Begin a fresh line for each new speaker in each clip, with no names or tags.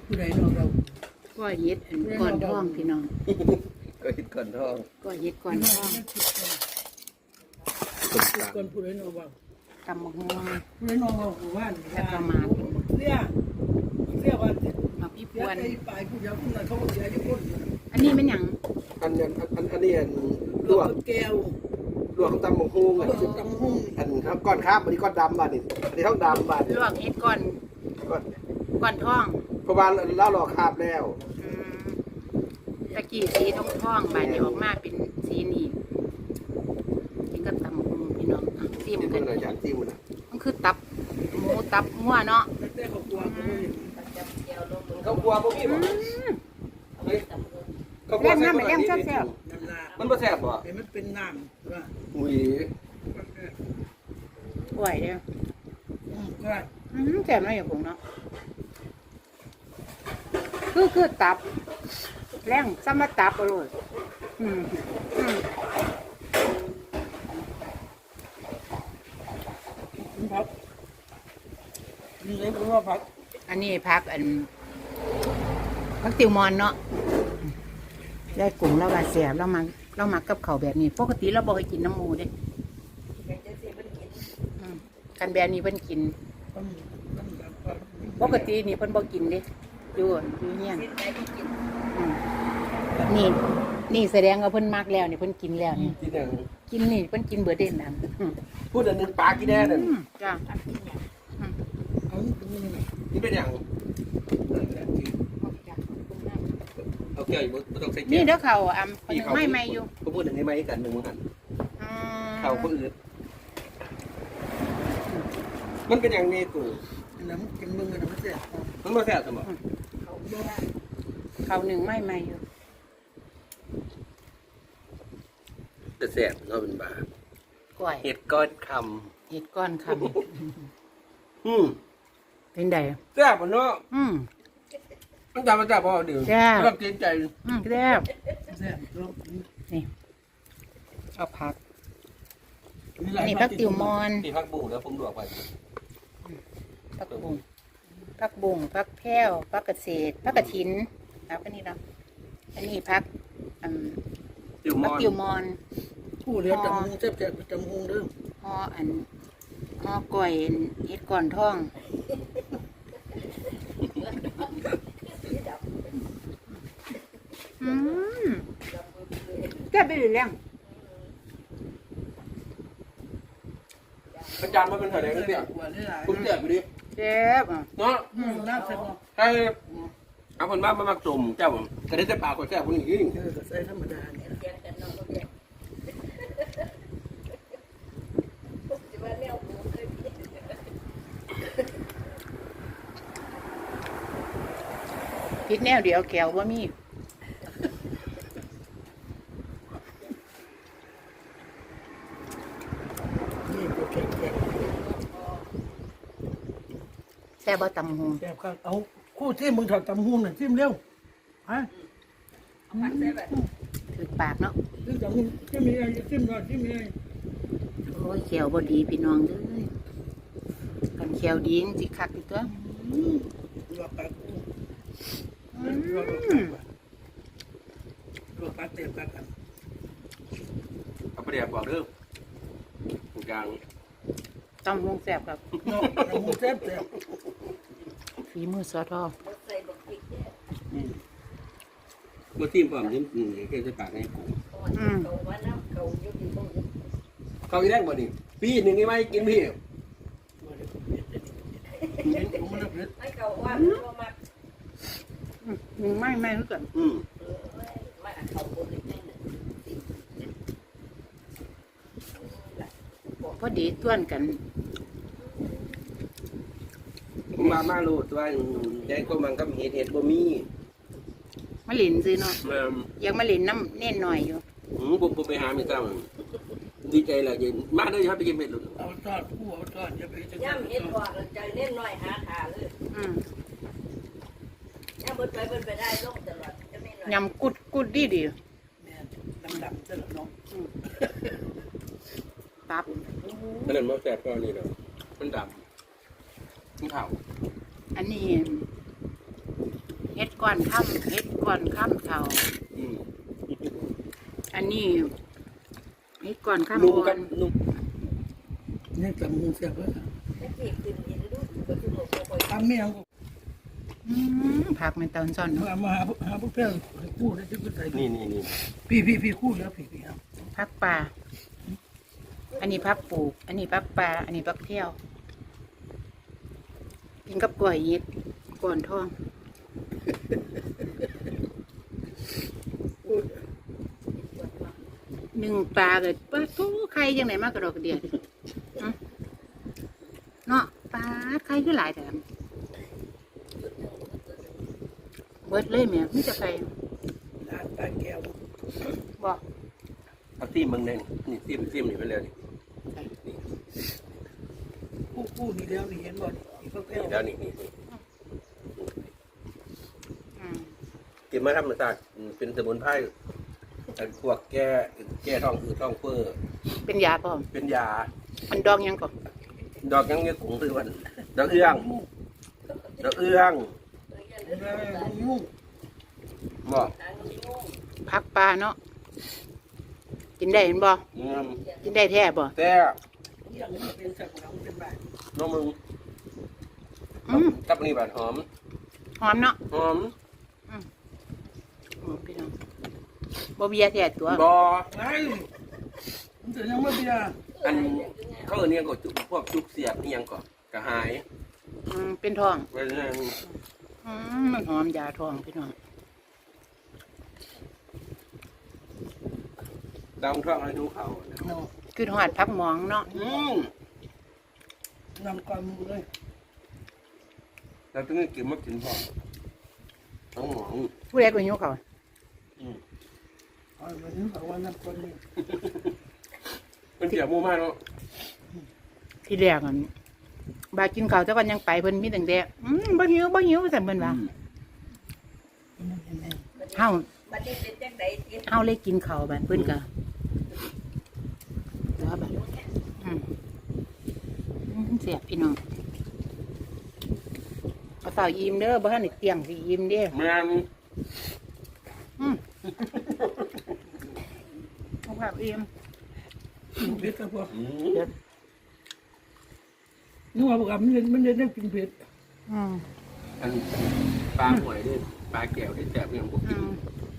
ผู้ใดนอกเรา
ก้อยเฮ็ดอันก่อนท้องพี่น้อง
ก็คิดก่อนท้อง
ก้อยเฮ็ดก่อนท้อง
คนผู้ใดนอกเรา
ตำบักหุ่ง
ผู้ใดนอกเราว่า
แล้วก็มา
เรียว่า
มาพี่พ
เสีย
วน
ใจไปผู้เดียวผู้นั้นเขาก็เสียอยู่คน
อันนี้มันหยัง
อันนี้ลวก
แก้ว
ลวกตำบักฮุง
เขาตำหุ่ง
อันก้อนครับอันนี้ก้อนดำบาดนี่อันนี้ท้องดำบาด
ลวกเฮ็ดก่อนก่อนท้อง
เพราะว่าเราหลอกคาบแล้ว
อืมตะกี้สีท้องบาดนี้ออกมาเป็นสีนี้กินกับตำบักหุ่งพี่น้องอ่ะซิม
ที่
กั
มัน นอะไรอย่างที่มัน
มันคือตับหมูตับงัวเนาะ
แต่เขากลัวเขาไม่
เขากลัวพวกนี้
อื
บ่
ม
เขากลัว
แซ่บน้ำแซ่บแซ่บ
น้ำลา
มันบ่แซ่บบ่
เห็นมันเป็นน้ำว่า
อุ้ย
ป่วยเด้อ
ก็
แซ่บน้อยอย่างผมเนาะคือตับแรงซ้ำมาตับอร่อยอืม
พักนี่เลยเพราะว่าพัก
อันนี้พักพักติวมอนเนาะได้กลุ่มเราบาดเสียบเรามากับเขาวแบบนี้ปกติเราบอกให้กินน้ำหมูเด้อืมกันแบบนี้เพิ่นกิน ปกตินี่เพิ่นบ่กินเด้อยู่เฮียนอืมนี่แสดงว่าเพิ่นมักแล้วนี่เพิ่นกินแล้วนี่
ที่นั่น
กินนี่เพิ่นกินเบิดเด่นนั่นอืม
พูดอันนึงปลากี่แน่นั่น
จ้า
นี่เป็นอย่างเอาแก้วอยู่บ่ต้องใส่แก้ว
นี่เด้อเขาคนนึงไม่อยู่
ก็พูดอันนี้ไม่กันหนึ่งกัน
อืม
เขาคนอื่นมันเป็นอย่างนี้กู
น้ำกินมึงกันน้ำเสีย
มันบ่แซ่บสมอง
เขาหนึ่งไม่อยู่
จะแซ่บเนาะเป็นบา
ก้อย
เห็ดก้อนค
เห็ดก้อนค
ำ
ำเป็นได
แซ่บบ่เนาะ มันจำมาแซ่บบ่เดี๋ยว
แซ่บ
ต้องเกรงใจ
แซ่บ
แซ่บ
นี่เอาผักนี่ผักติวมอน
ที่พักบุ้งแล้วผมลวกไป
ผักบุ้งผักแพ้วผักกระเศษผักกระถินแล้วก็นี่เนาะอันนี้ผัก
ติวม
ผัก
อน
ติวมอน
ผู้เลี้ยงจำหงแซ่บจำหงเด้อ
ห่อก้อยเห็ดก่อนท้องแซ่บไปหรือยัง
อาจารย์มาเป็นเท่าไหร่กันเนี่ยผมแซ่บอยู่ดิ
แซ่บอ่ะ
เนาะ
น้ำแซ่บ
ให้เอาคนมามักจมเจ้าผมก็ได้แต่ปากคนแซ่บคนนี้
ใส่ธรรมดาเนี่ย
พิษแนวเดียวแก้วว่ามีแซ่บบ่ตำหง
แซ่บครับเอาคู่ที่มึงถอดจำหงน่ะจิ้มเร็วฮะ
ถือปากเนาะ
จิ้มจำหงจิ้มมีอะไรจิ้มหน่อยจิ้มมีอะไร
โอ้ยแขวบ่ดีพี่น้องเด้อกันแขวดีจริงคักอีกตัว
ลวกปากลวกปากเต็มปากกัน
เอาไปเดี๋ยวบอกเด้อทุกอย่าง
ตำหงแซ่บครับ
เนาะจำหงแซ่บแซ่บ
ฝีมือสอทอ
เมื่อที่ผมยิ้มแค่จะปากให้กู เขาอีแรงบ่นี่พี่หนึ่งไอ้ไม้กินพี่
ไม่รู้กันพอดีต้วนกัน
ผมมาโลดว่าแดงก็มันก็เห็ดบ่มี
มาหลินซื้อเนาะ
แม่
ยังมาหลินน้ำเน่นหน่อยอยู่
ผมไปหาไม่ต้องดีใจละเย็นมาเลยครับไปกินเม็ดหลุด
เอาทอดคู่เอาทอดอย่าไปจะ
ย่ำเห็ดกว่าใจเล่นน้อยหาขาเลยย่ำเบิดไปได้ลงตลอดจะไม่น้อย
ยำกุดดี
แม่ดำๆเจ้าน้อง
ตับ
นั่นมันแสบก็นี่เนาะมันดำมันขาว
อันนี้ก้อนค่ำเฮ็ดก้อนค่ำเท่า
อืม
อันนี้เฮ็ดก้อนค่ำ
นุ่ม
อ่อ
กัน
น
นุ่ม
นี่จำมึงเสียบไว้ค่ะ
ตะเกียบขึ้นอีกดูก็คือหมดบ่อย
ทำเมียง
ผักมันตอนซ่อน
มาหาพวกเพื่อนคู่ได้ที่กูใส่
นี่
พี่คู่แล้วพี่ครับ
ผักป่าอันนี้ผักปลูก อันนี้ผักป่าอันนี้ผักเที่ยวกินกับกล้วยเย็ดก่อนท้องหนึ่งปลาเลยปลาทูไข่ยังไงมากกระดอกกระเดียดเนาะปลาไข่คือหลายแต่เบิดเลยแม่ไม่จะไข่
ร้านปลาแก้ว
บอก
เอาซีมเบิ่งแน่นี่ซีมนี่ไปเลยนี่
คู่นี่แล้วนี่เห็นบ่นี่พวกเพื่อน
นี่แล้วนี่
อืม
กินมาธรรมชาติเป็นสมุนไพรแต่พวกแก้ท้องอืดท้องเฟ้อ
เป็นยาพร้อม
เป็นยา
มันดองยังก่อน
ดอกยังเงี้ยกุ้งคือวันดอกเอื้องดอกเอื้อง
ยุ่ง
บอก
พักปลาเนาะกินได้เห็นบ่ กินได้แท้บ่
แต่
ยังไม่เป็นสักหลังเป็นแบบ
น้องมึง
อืม
กับนี่บาดหอม
หอมเนาะ
หอม
หอมพี่น้องบ่เบียร์แท้ตัว
บอ
ไอ้มันจะยังไม่เบียร์
อันเขาเอิ้นเนี่ยก็จุพวกจุกเสียบนี่ยังก่อนกระหาย
เป็นท้อง
ไว้นั่น
มันหอมยาท้องพี่น้อง
ดองท้องให้ดูเขานะ
คือหอดพักหมองเนาะ
นำความมือเลย
เราต้องกินมากินพอต้องหมอง
ผู้ใดก็หิวเขาว
เอาวันนี้บอกว่านำความมือ
เป็นเสียบหมู่มากเนาะ
ที่แรกอันบากินข้าวแต่ก่อนยังไปเพิ่นมีตั้งแต่บ่หิวสั่นเพิ่นว่าเฮา
บัดนี้เป็นจังได๋สิ
เฮาเลยกินข้าวบัดเพิ่นก็แล้วบัดเสียบพี่น้องเอาเต่ายิ้มเด้อบ่ทันได้เตียงสิยิ้มเด้อ
แม่น
เอาผักอิ่ม
เผ็ดครับพ่อ
อืม
นึกว่าบอกมันจะได้กินเผ็ด
อันปลาหอยด้วยปลาแก้วที่แสบเนี่ยผมกิน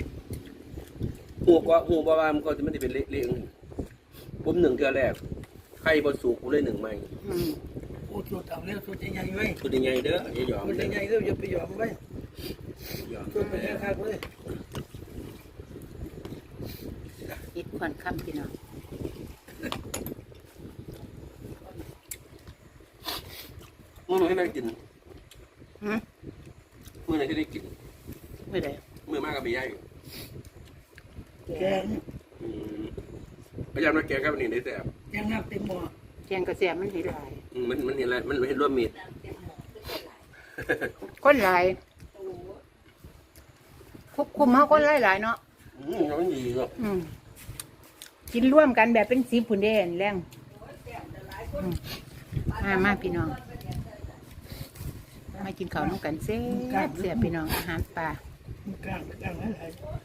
หูว่ามันก็จะไม่ได้เป็นเละๆผมหนึ่งเทือแรกไข่บดสูบผมเลยหนึ่งใหม่
โอ้ตัวเต่าเลี้ยงตัวใหญ่ๆไว้
ตัวยังไงเด้ออย่ายอม
ตัว
เด้อ
ใหญ่ๆก็อย่าไปยอมไว้
ยอม
ตัวเป็นแค่ข้าวเลย
อิดควันค่ำพี่น้อง
มื้อไหนที่ได้กิน
หืม
มื้อไหนที่ได้กิน
ไม่ได้
มื้อมากกับไปย่าย
แกง
พยายามมาแกงกับนี่ได้แสบ
แกงน้ำเต็มหม้อ
แกงกระเสียมันสิหลาย
มันเห็นอะไรมันเห็นร่วมมีด
คนหลายควบคุมเฮาคนหลายๆเนาะ
มันดีเนาะ
กินร่วมกันแบบเป็นสีผุนเด่นแรงมาพี่น้องมากินข้าวน้องกันเสียพี่น้องอาหารป่า
กลางอะไร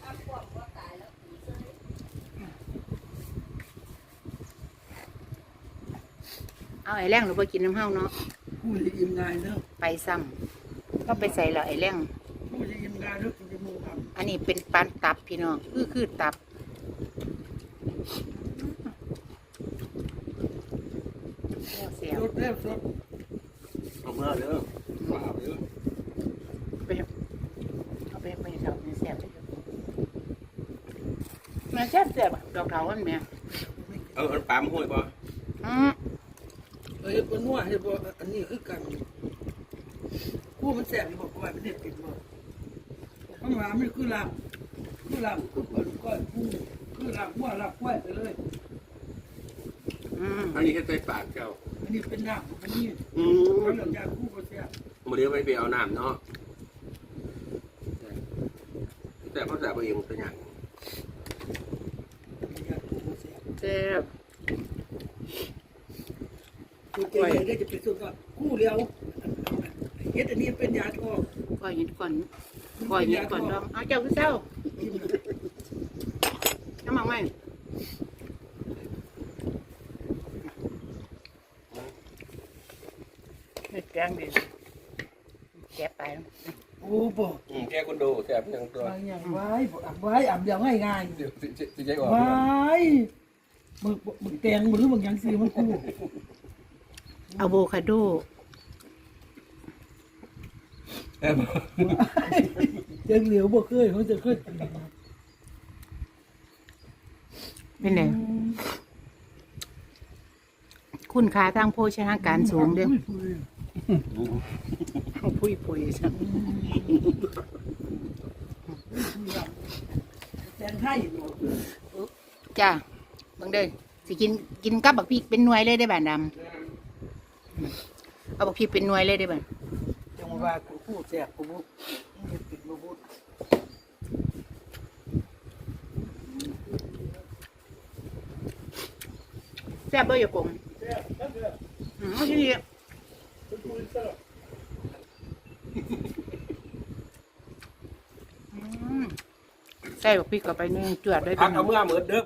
เอาไอ้แรงหรือว่ากินน้ำเฮาเนาะ
ผู้จะยิ้มง่ายเนาะ
ไปซ้ำก็ไปใส่แล้วไอ้แรง
ผู้จะยิ้มง่ายเนาะจะมูครับ
อันนี้เป็นปานตับพี่น้องคือตับเสีย
สดแล้วสด
เอาเมื่อเด้อเปล่าเด้อ
ไปเอาไปดอกนี่เสียบมันแซ่บเสียบดอกเถาวันแม่
เอาปลามาห้อยป่ะ
เฮ้ยปนนัวเฮ้ยบ่อันนี้คือกันคู่มันแสบอยู่บอกว่ามันเด็ดติดบ่ข้างหลังมันคือลำคือปนก้อยคู่คือลำว่าลำกล้วยไปเลย
อันนี้แค่ใส่ปากเจ้า
อันนี้เป็นน้ำอันนี้เขาหลังจากคู่ก็แสบ
โมเดลไม่ไปเอาน้ำเนาะแต่เขาแสบเองตัวอย่าง
จากคู่ก็แสบ
แซ่บ
ตัวใหญ่ได้จะเป็นส่วนก็คู่เดียวเฮ็ดอันนี้เป็นยาทอง
ก้อยเห็นก่อนอยเย็นก่อนดองเอาเจ้าคือเจ้าน้ำมันไหมเม็ดแกงดีแกะไป
โอ้บ่
แกคนดูแซ่บยังตัว
บางอย่างไว้อ่ำเดียวง่าย
เดี๋ยวสิใจออก
ๆไว้มึงแตงมึงหรือบางอย่างซื้อมันกู
อะโวคาโด
แอบ
เจงเหลียวบ่เคยเขาจะเคยกิน
เป็นไงคุณค่าทางโภชนาการสูงเด้อพุยๆจ้ะ
แตงไทย
จ้าเบิ่งเด้อสิกินกับบักพริกเป็นหน่วยเลยได้อบ้านดำเอาบักพริกเป็นหน่วยเลยได้อบ้าน
จังว่ากูพูดแซ่บกูบ่ปิดบ่พูด
แซ่บบ่อย่ากงที่นี่ใส่บักพริกเข้าไปนึงจวดได้
พั
เป็
ก
น
เอาเมื่อเหมือนเด้อ